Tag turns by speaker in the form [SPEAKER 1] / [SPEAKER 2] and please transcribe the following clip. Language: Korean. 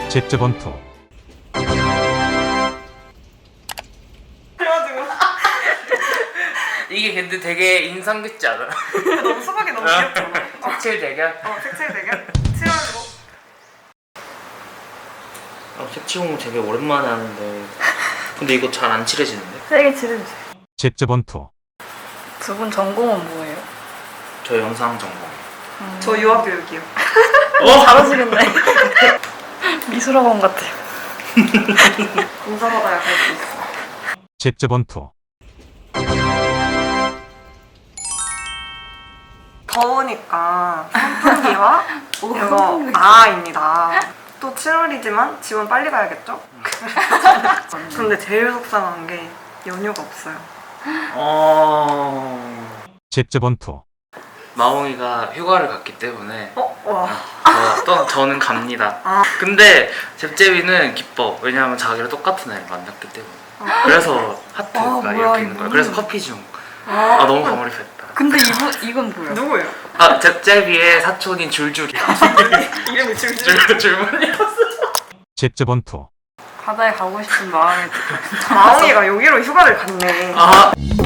[SPEAKER 1] 잽잽원투.
[SPEAKER 2] 그래가지고
[SPEAKER 3] 이게 근데 되게 인상 깊지 않아?
[SPEAKER 2] 너무 수박이 너무 귀엽잖아.
[SPEAKER 3] 색칠 대결?
[SPEAKER 2] 색칠 대결? 칠하고
[SPEAKER 3] 색칠 공부 되게 오랜만에 하는데 근데 이거 잘 안 칠해지는데?
[SPEAKER 4] 세게 지르주세요.
[SPEAKER 1] 잽잽원투.
[SPEAKER 4] 두 분 전공은 뭐예요?
[SPEAKER 3] 저 영상 전공.
[SPEAKER 2] 저 유아교육이요.
[SPEAKER 4] 잘하시겠네. 미술학원 같아요.
[SPEAKER 2] 공사받아야 갈 수 있어.
[SPEAKER 1] 잽잽원투.
[SPEAKER 2] 더우니까 선풍기와 이거 나아입니다. 또 7월이지만 집은 빨리 가야겠죠? 그런데 제일 속상한 게 연휴가 없어요.
[SPEAKER 1] 잽잽원투.
[SPEAKER 3] 마홍이가 휴가를 갔기 때문에
[SPEAKER 2] 와.
[SPEAKER 3] 저는 갑니다.
[SPEAKER 2] 아.
[SPEAKER 3] 근데 잽잽이는 기뻐. 왜냐하면 자기랑 똑같은 애를 만났기 때문에. 그래서 하트가
[SPEAKER 2] 뭐야,
[SPEAKER 3] 이렇게 있는 거야.
[SPEAKER 2] 이거.
[SPEAKER 3] 그래서 커피 중. 아 너무 과몰입했다.
[SPEAKER 4] 근데 이건 뭐야?
[SPEAKER 2] 누구예요?
[SPEAKER 3] 아 잽잽이의 사촌인 줄줄이다.
[SPEAKER 2] 이름이 줄줄.
[SPEAKER 3] 줄줄이었어.
[SPEAKER 1] 잽잽원투.
[SPEAKER 4] 바다에 가고 싶은 마음이
[SPEAKER 2] 마홍이가 여기로 휴가를 갔네.
[SPEAKER 3] 아